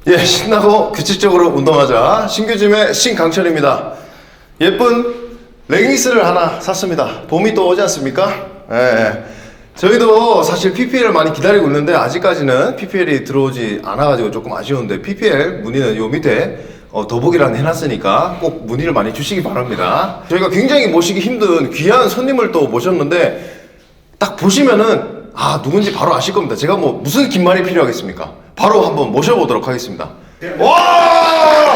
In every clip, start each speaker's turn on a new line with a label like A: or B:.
A: 예, 신나고 규칙적으로 운동하자. 신규짐의 신강철입니다. 예쁜 레깅스를 하나 샀습니다. 봄이 또 오지 않습니까? 예. 저희도 사실 PPL을 많이 기다리고 있는데 아직까지는 PPL이 들어오지 않아가지고 조금 아쉬운데 PPL 문의는 요 밑에 더보기란 해놨으니까 꼭 문의를 많이 주시기 바랍니다. 저희가 굉장히 모시기 힘든 귀한 손님을 또 모셨는데 딱 보시면은 누군지 바로 아실 겁니다. 제가 뭐 무슨 긴 말이 필요하겠습니까? 바로 한번 모셔보도록 하겠습니다. 와!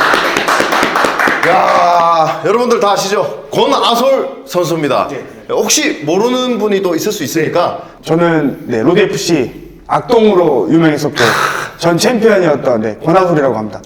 A: 야, 여러분들 다 아시죠? 권아솔 선수입니다. 혹시 모르는 분이 또 있을 수 있으니까
B: 저는 로드 FC 악동으로 유명했었고 전 챔피언이었던 권하솔이라고 합니다.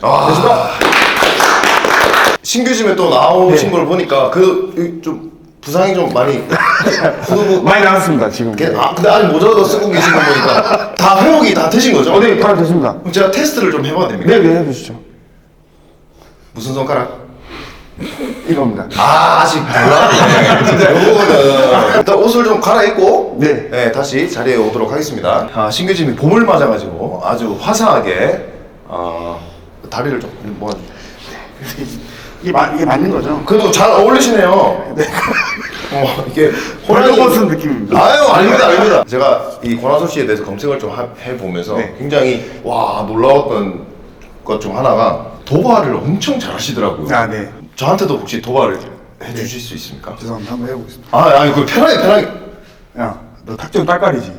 A: 신규짐에 또 나오신 걸 보니까 좀 부상이 좀 많이
B: 많이 나왔습니다 지금.
A: 근데 아직 모자도 쓰고 계신 거 보니까 다 회복이 다 되신 거죠?
B: 네, 다 됐습니다.
A: 그럼 제가 테스트를 좀 해봐도 됩니까?
B: 네, 해주시죠.
A: 무슨 손가락?
B: 이겁니다.
A: 아직 몰라? 진짜 요거는 일단 옷을 좀 갈아입고
B: 네.
A: 다시 자리에 오도록 하겠습니다. 신규짐이 봄을 맞아가지고 아주 화사하게 다리를 좀
B: 이게 맞는 거죠?
A: 그래도 잘 어울리시네요. 네. 이게
B: 벌거벗은 느낌입니다.
A: 아유, 아닙니다. 제가 이 권하솔 씨에 대해서 검색을 좀 해보면서 굉장히 놀라웠던 것 중 하나가 도발을 엄청 잘하시더라고요.
B: 네.
A: 저한테도 혹시 도발을 해주실 수 있습니까?
B: 죄송합니다. 한번 해보겠습니다.
A: 아니, 편하게.
B: 야, 너 탁 좀 딸깔이지?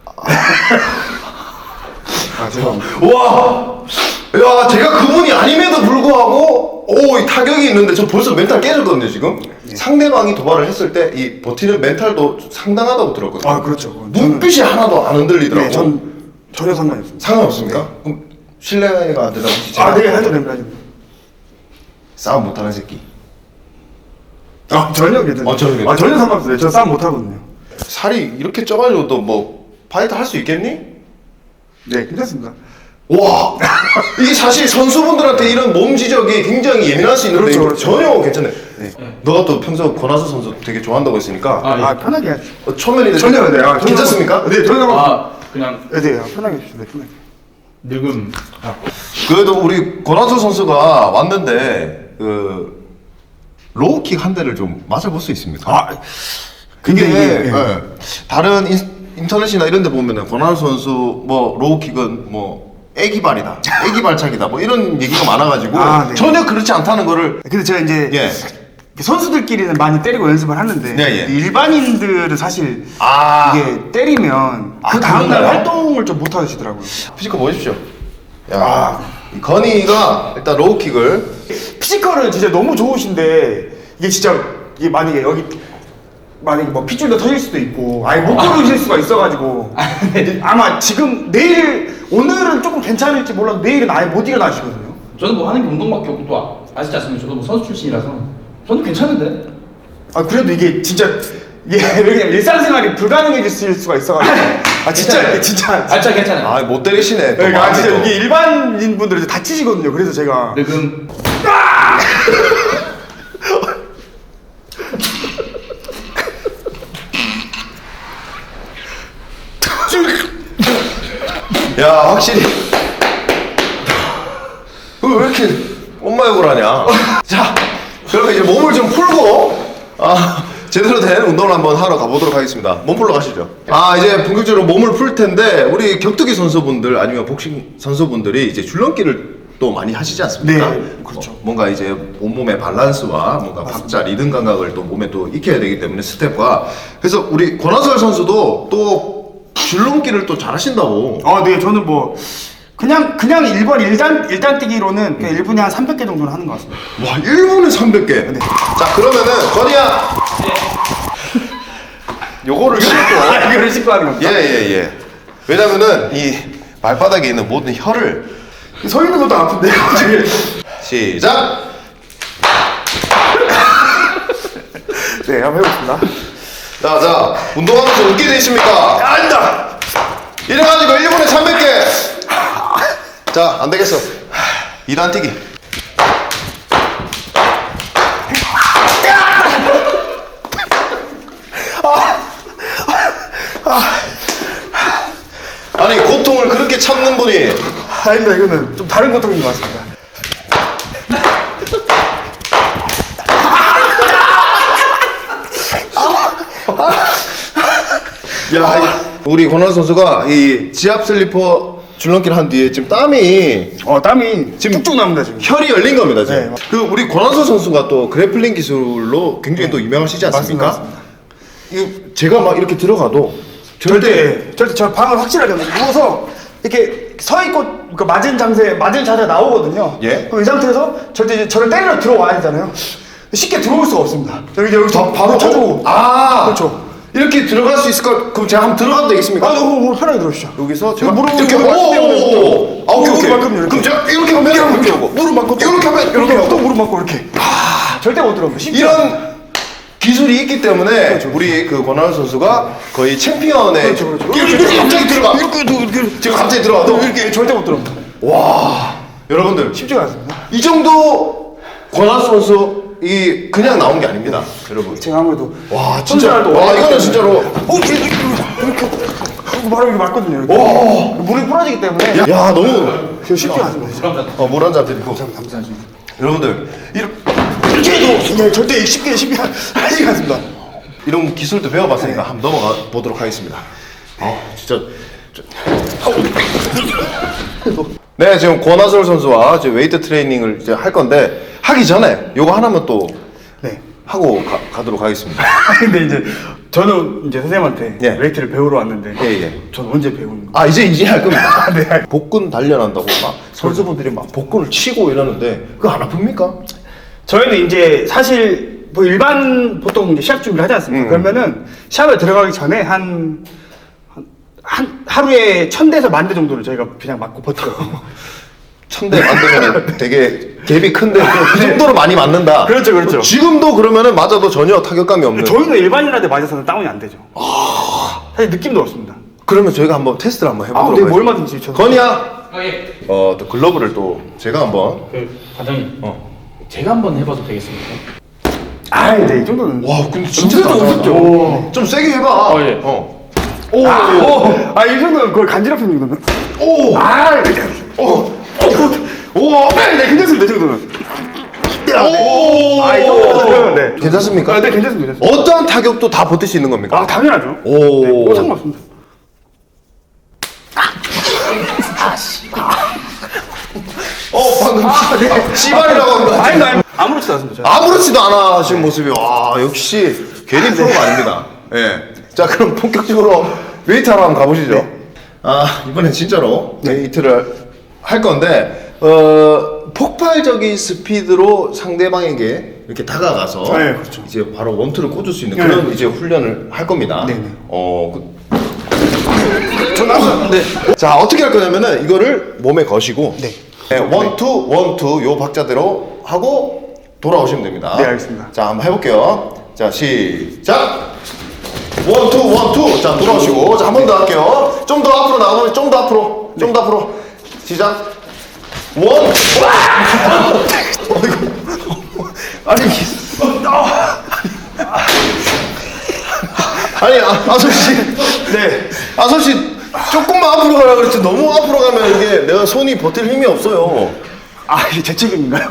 B: 죄송합니다.
A: 와! 야, 제가 그분이 아님에도 불구하고 이 타격이 있는데 저 벌써 멘탈 깨졌거든요, 지금. 상대방이 도발을 했을 때 이 버티는 멘탈도 상당하다고 들었거든요.
B: 그렇죠.
A: 눈빛이 하나도 안 흔들리더라고요.
B: 네, 전 전혀 상관이 없습니다.
A: 상관없습니까? 그럼 실례가 안 되다 혹시 제가
B: 네, 해도 됩니다.
A: 싸움 못하는 새끼.
B: 전혀 괜찮아요.
A: 전혀 괜찮아요.
B: 전혀 상관없어요. 저 싸움 못 하거든요.
A: 살이 이렇게 쪄가지고 또 뭐 파이트 할 수 있겠니?
B: 네, 괜찮습니다.
A: 와, 이게 사실 선수분들한테 이런 몸 지적이 굉장히 예민할 수 있는데
B: 그렇죠,
A: 이거
B: 그렇죠.
A: 전혀 괜찮네. 너가 또 평소 권하솔 선수 되게 좋아한다고 했으니까
B: 편하게 하죠.
A: 초면인데
B: 전혀 네,
A: 괜찮습니까?
B: 네, 전혀 상관없습니다.
C: 그냥
B: 네, 편하게 해주세요. 편하게.
C: 늙음.
A: 그래도 우리 권하솔 선수가 왔는데 로우킥 한 대를 좀 맞아볼 수 있습니까?
B: 근데
A: 이게
B: 이게
A: 다른 인터넷이나 이런 데 보면은 권하솔 선수 뭐 로우킥은 뭐 애기발이다, 애기발차기다 뭐 이런 얘기가 많아가지고
B: 네.
A: 전혀 그렇지 않다는 거를
B: 근데 제가 이제 선수들끼리는 많이 때리고 연습을 하는데 일반인들은 사실 이게 때리면 그 다음날
A: 그런가요?
B: 활동을 좀 못 하시더라고요.
A: 피지컬 보십시오. 이 건이가 일단 로우킥을
B: 피지컬은 진짜 너무 좋으신데 이게 진짜 이게 만약에 뭐 핏줄도 터질 수도 있고 아예 못 걸으실 수가 있어가지고 아마 지금 오늘은 조금 괜찮을지 몰라도 내일은 아예 못 일어나시거든요.
C: 저는 뭐 하는 게 운동밖에 없고 또 아시지 않습니까? 저도 뭐 선수 출신이라서 저는 괜찮은데.
B: 그래도 이게 진짜 왜냐면 일상생활이 불가능해질 수가 있어가지고 진짜
C: 진짜 괜찮아요.
A: 못 때리시네. 또
B: 진짜
A: 마음이 또.
B: 이게 일반인 분들은 다치시거든요. 그래서 제가
C: 늙음.
A: 야, 확실히 왜 이렇게 엄마 욕을 하냐? 자, 그러면 이제 몸을 좀 풀고 제대로 된 운동을 한번 하러 가보도록 하겠습니다. 몸 풀러 가시죠. 이제 본격적으로 몸을 풀 텐데 우리 격투기 선수분들 아니면 복싱 선수분들이 이제 줄넘기를 또 많이 하시지 않습니까?
B: 네, 그렇죠.
A: 뭔가 이제 온몸의 밸런스와 뭔가 박자, 리듬 감각을 또 몸에 또 익혀야 되기 때문에 스텝과 그래서 우리 권하솔 선수도 또 줄넘기를 또 잘하신다고.
B: 네, 저는 뭐 그냥 1번 일단 뛰기로는 그냥 1분에 한 300개 정도는 하는 것 같습니다.
A: 와, 1분에 300개. 자, 그러면은 건이야. 요거를 씻고.
B: 이거를 씻고 하는 겁니다.
A: 예. 왜냐면은 이 발바닥에 있는 모든 혀를
B: 서 있는 것도 아픈데.
A: 시작.
B: 네, 한번 해보겠습니다.
A: 자, 운동하면서 웃게 돼 있습니까?
B: 아니다.
A: 이래가지고 1분에 300개. 자, 안 되겠어. 2단 뛰기. 아니, 고통을 그렇게 참는 분이
B: 아닙니다. 이거는 좀 다른 고통인 것 같습니다.
A: 야, 우리 권한 선수가 이 지압 슬리퍼 줄넘기를 한 뒤에 지금 땀이
B: 땀이 지금 쭉쭉 납니다 지금.
A: 혈이 열린 겁니다 지금.
B: 네.
A: 그 우리 권한선 선수가 또 그래플링 기술로 굉장히 또 유명하시지 않습니까?
B: 맞습니다.
A: 이거 제가 막 이렇게 들어가도
B: 절대 저 방을 확실하게 누워서 이렇게 서 있고 그 맞은 자세 나오거든요.
A: 예.
B: 그럼 이 상태에서 절대 이제 저를 때리러 들어와야 되잖아요. 쉽게 들어올 수가 없습니다. 여기
A: 바로
B: 쳐주고.
A: 그렇죠. 이렇게 들어갈 수 있을까? 그럼 제가 한번 들어가도 되겠습니까?
B: 너무 편하게 들어오시죠.
A: 여기서 제가
B: 무릎
A: 이렇게 오케이.
B: 무릎만큼 이렇게.
A: 그럼 제가 이렇게 하면 이렇게 하고
B: 무릎만큼
A: 이렇게 하면 이렇게
B: 또
A: 하고
B: 무릎만큼 이렇게. 절대 못 들어옵니다. 쉽지
A: 이런 기술이 있기 때문에 우리 그 권한선 선수가 거의 챔피언의
B: 그렇죠.
A: 이렇게 갑자기 들어가 지금 갑자기 들어가도
B: 이렇게 절대 못 들어옵니다.
A: 와 여러분들
B: 쉽지가 않습니다.
A: 이 정도 권한선 선수 이 그냥 나온 게 아닙니다 여러분.
B: 제가 아무래도
A: 와 진짜
B: 손질도
A: 와
B: 오래
A: 이거는
B: 했기
A: 진짜로
B: 이렇게 바로 이렇게 맞거든요. 이렇게. 물이 풀어지기 때문에
A: 야 너무
B: 쉽지 않습니다.
A: 물 한 잔 드리고 여러분들
B: 이렇게 해도 네, 절대 쉽게 하지 않습니다.
A: 이런 기술도 배워봤으니까 한번 넘어가 보도록 하겠습니다. 진짜. 네, 지금 권하솔 선수와 이제 웨이트 트레이닝을 이제 할 건데 하기 전에 요거 하나만 또
B: 네.
A: 하고 가도록 하겠습니다.
B: 근데 이제 저는 이제 선생님한테
A: 예.
B: 웨이트를 배우러 왔는데
A: 예.
B: 저는 언제 배우는 거예요?
A: 아 이제 할 겁니다.
B: 네.
A: 복근 단련한다고 막 선수분들이 막 복근을 치고 이러는데 그거 안 아픕니까?
B: 저희는 이제 사실 뭐 일반 보통 이제 시합 준비를 하지 않습니까? 그러면은 시합에 들어가기 전에 한 하루에 1000대에서 10,000대 정도를 저희가 그냥 맞고 버티거든요.
A: 1000대 만들면 되게 갭이 큰데 그 정도로 많이 맞는다.
B: 그렇죠.
A: 지금도 그러면은 맞아도 전혀 타격감이 없는.
B: 저희는 일반인한테 맞아서는 다운이 안 되죠. 사실 느낌도 없습니다.
A: 그러면 저희가 한번 테스트를 한번
B: 네,
A: 해보도록
B: 뭐
A: 하겠습니다.
B: 얼마든지 저는.
A: 건이야.
C: 예.
A: 또 글러브를 또 제가 한번.
C: 관장님. 제가 한번 해봐도 되겠습니까?
B: 네, 이 정도는.
A: 와, 근데 진짜
B: 은근히
A: 잘한다.
B: 어렵죠.
A: 좀 세게 해봐.
C: 예.
A: 오.
B: 이 정도는 거의 간지럽힌 정도는.
A: 오.
B: 네, 괜찮습니다, 이 정도는.
A: 오.
B: 이 정도는. 네.
A: 괜찮습니까?
B: 네, 괜찮습니다.
A: 어떠한 타격도 다 버틸 수 있는 겁니까?
B: 당연하죠.
A: 오.
B: 네, 상관없습니다.
A: 방금 씨발이라고 한 거 같아.
B: 아니, 아무렇지도 않습니다. 저는.
A: 아무렇지도 않아 하시는 모습이 와 역시 괜히 프로가 아닙니다. 예. 자 그럼 본격적으로 웨이트 하러 한번 가보시죠. 이번엔 진짜로 웨이트를 할 건데 폭발적인 스피드로 상대방에게 이렇게 다가가서
B: 네, 그렇죠.
A: 이제 바로 원투를 꽂을 수 있는
B: 네.
A: 그런 이제 훈련을 할 겁니다.
B: 네네.
A: 저는 항상 자 어떻게 할 거냐면은 이거를 몸에 거시고 원투 요 박자대로 하고 돌아오시면 됩니다.
B: 네, 알겠습니다.
A: 자 한번 해볼게요. 자 시작. 원투 자 돌아오시고 자 한 번 더 할게요. 좀 더 앞으로 나가면 좀 더 앞으로 시작. 원. 아니 아섭 씨.
B: 네.
A: 아섭 씨 조금만 앞으로 가라 그랬지 너무 앞으로 가면 이게 내가 손이 버틸 힘이 없어요.
B: 이게 제 책임인가요?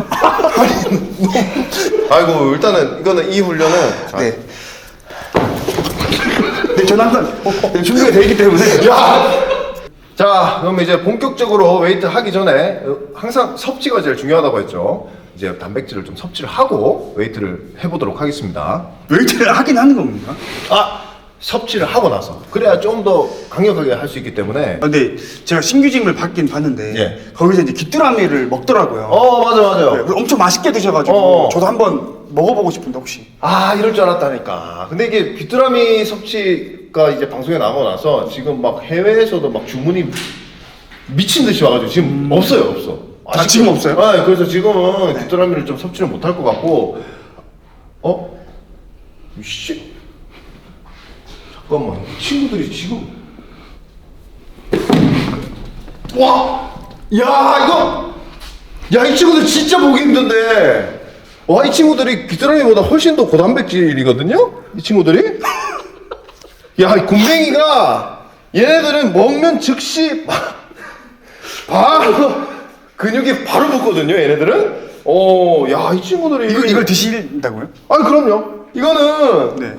A: 아이고 일단은 이거는 이 훈련은 자,
B: 네. 네, 저는 항상 준비가 되어 있기 때문에.
A: 자 그럼 이제 본격적으로 웨이트 하기 전에 항상 섭취가 제일 중요하다고 했죠. 이제 단백질을 좀 섭취를 하고 웨이트를 해보도록 하겠습니다.
B: 웨이트를 하긴 하는 겁니까?
A: 섭취를 하고 나서 그래야 좀 더 강력하게 할 수 있기 때문에.
B: 근데 제가 신규짐을 받긴 봤는데
A: 예.
B: 거기서 이제 귀뚜라미를 먹더라고요.
A: 맞아요.
B: 네, 엄청 맛있게 드셔가지고 저도 한번 먹어보고 싶은데 혹시.
A: 이럴 줄 알았다니까. 근데 이게 귀뚜라미 섭취가 이제 방송에 나오고 나서 지금 막 해외에서도 막 주문이 미친 듯이 와가지고 지금 없어.
B: 지금 없어요?
A: 네, 그래서 지금은 귀뚜라미를 좀 섭취를 못할 것 같고. 씨. 잠깐만. 이 친구들이 지금. 와! 이 친구들 진짜 보기 힘든데. 이 친구들이 귀뚜라미보다 훨씬 더 고단백질이거든요? 이 친구들이? 이 곰뱅이가 얘네들은 먹면 즉시 바로 근육이 바로 붙거든요. 얘네들은. 야, 이 친구들이
B: 이걸 드신다고요?
A: 아니 그럼요. 이거는
B: 네.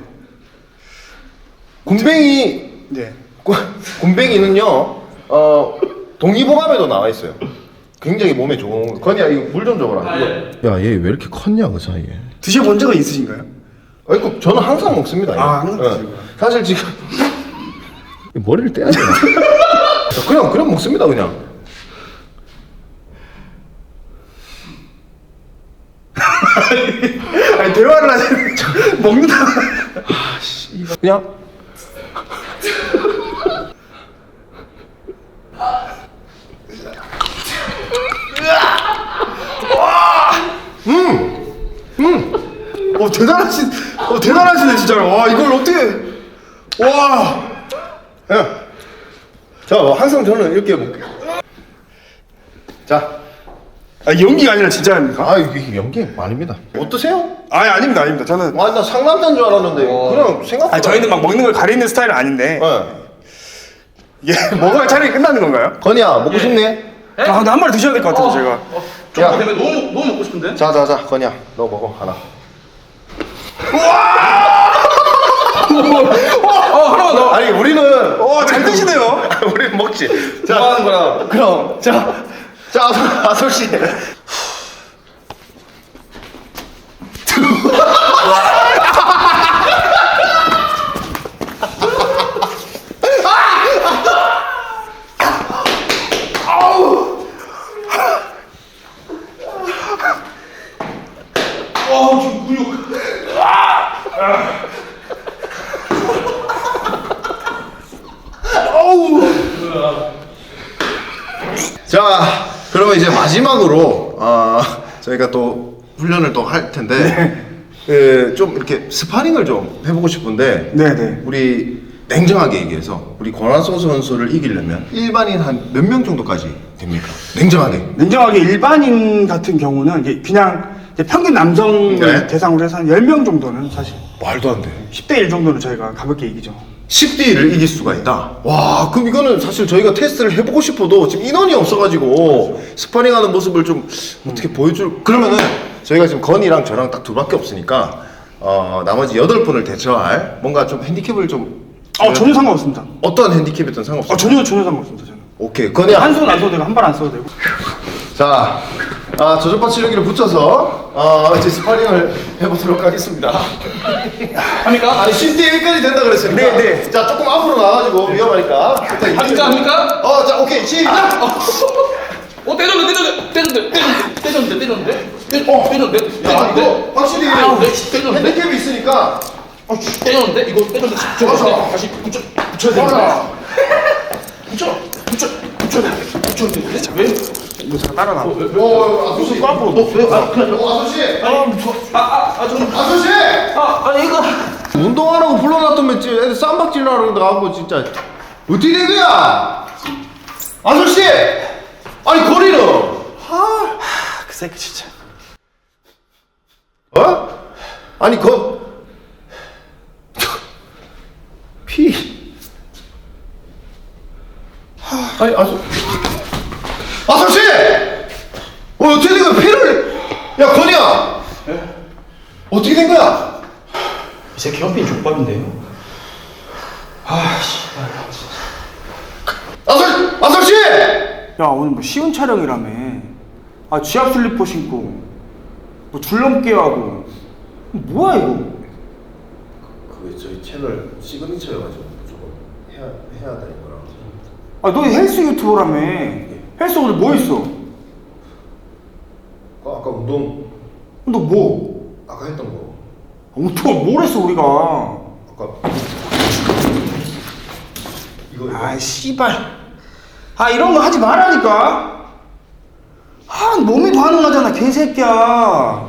A: 굼벵이
B: 네.
A: 굼벵이는요. 동의보감에도 나와 있어요. 굉장히 몸에 좋은. 건이야 이거 물 좀 줘봐라. 야, 얘 왜 이렇게 컸냐 그 사이에.
B: 드셔본 적은 있으신가요?
A: 아이고 저는 항상 먹습니다. 이거.
B: 아, 항상
A: 예.
B: 드시구나.
A: 사실 지금 머리를 떼야 되나? 그냥 먹습니다 그냥.
B: 아니 대화를 하시는 먹는다.
A: 그냥.
B: 대단하시네 진짜로. 와 이걸 어떻게? 와.
A: 야. 자, 항상 저는 이렇게 먹게요. 자.
B: 아 연기가 아니라 진짜입니까?
A: 아, 이게 연기 아닙니다. 어떠세요?
B: 아닙니다. 저는.
A: 아, 나 상남자인 줄 알았는데 그냥 생각보다.
B: 아 저희는 막 먹는 걸 가리는 스타일은 아닌데.
A: 네.
B: 이게 먹어야 촬영이 끝나는 건가요?
A: 건이야 먹고 싶네?
B: 아 근데 한 마리 드셔야 될 것 같아서 제가.
A: 야.
C: 좀 때문에 너무 먹고 싶은데.
A: 자, 건이야 너 먹어 하나.
C: 하나만 더.
A: 아니 우리는
B: 잘 드시네요.
A: 우리는 먹지.
C: 뭐 하는 거야?
A: 그럼 자 아솔 씨.
C: 지금 근육.
A: 자, 그러면 이제 마지막으로 저희가 또 훈련을 또 할 텐데 좀 이렇게 스파링을 좀 해보고 싶은데
B: 네네.
A: 우리 냉정하게 얘기해서 우리 권한소 선수를 이기려면 일반인 한 몇 명 정도까지 됩니까? 냉정하게.
B: 일반인 같은 경우는 이게 그냥 이제 평균 남성을
A: 네.
B: 대상으로 해서 한 10명 정도는 사실
A: 말도 안 돼.
B: 10대 1 정도는 저희가 가볍게 이기죠.
A: 10대 1을 이길 수가 있다. 와, 그럼 이거는 사실 저희가 테스트를 해보고 싶어도 지금 인원이 없어가지고 스파링하는 모습을 좀 어떻게 보여줄. 그러면은 저희가 지금 건이랑 저랑 딱 둘밖에 없으니까 나머지 8분을 대처할 뭔가 좀 핸디캡을 좀.
B: 전혀 상관없습니다.
A: 어떤 핸디캡이든 상관없어요.
B: 전혀 상관없습니다. 저는.
A: 오케이, 건이야.
B: 한 손 안 써도 되고 한 발 안 써도 되고.
A: 자, 저전파 치료기를 붙여서 이제 스파링을 해보도록 하겠습니다.
C: 합니까?
A: 아니 10대 1까지 된다 그랬으니까.
B: 네.
A: 자, 조금 앞으로 나와가지고 위험하니까.
C: 합니까?
A: 자, 오케이, 시작.
C: 때렸는데.
A: 야, 이거 확실히
C: 때렸는데.
A: 핸디캡이 있으니까.
C: 때렸는데. 이거 때렸는데.
A: 좋아.
C: 다시 붙여야 되는데. 붙였는데. 왜?
B: 이거 제가 따라 나와.
A: 아저씨.
B: 앞으로.
A: 아저씨. 아저씨.
C: 아니 이거.
A: 운동하라고 불러놨더니 애들 쌈박질하러 나가고 진짜 어떻게 된 거야? 아저씨. 아니 거리는.
B: 그 새끼 진짜.
A: 아니 피. 아니 아저씨. 어떻게 된 거야? 피를. 야 건이야. 어떻게 된 거야?
C: 이 새끼 현빈 족밥인데요.
A: 아저씨.
B: 야 오늘 뭐 쉬운 촬영이라며. 지압 슬리퍼 신고 뭐 줄넘기 하고 뭐야 이거?
A: 그게 저희 채널 시그니처여가지고 저거 해야 되는 거라.
B: 너 헬스 유튜버라며. 헬스 오늘 뭐 했어?
A: 아까 운동
B: 너 뭐?
A: 아까 했던 거.
B: 운동 뭘 했어 우리가?
A: 아까 이거.
B: 씨발. 이런 거 하지 말라니까. 몸이 반응하잖아 개새끼야.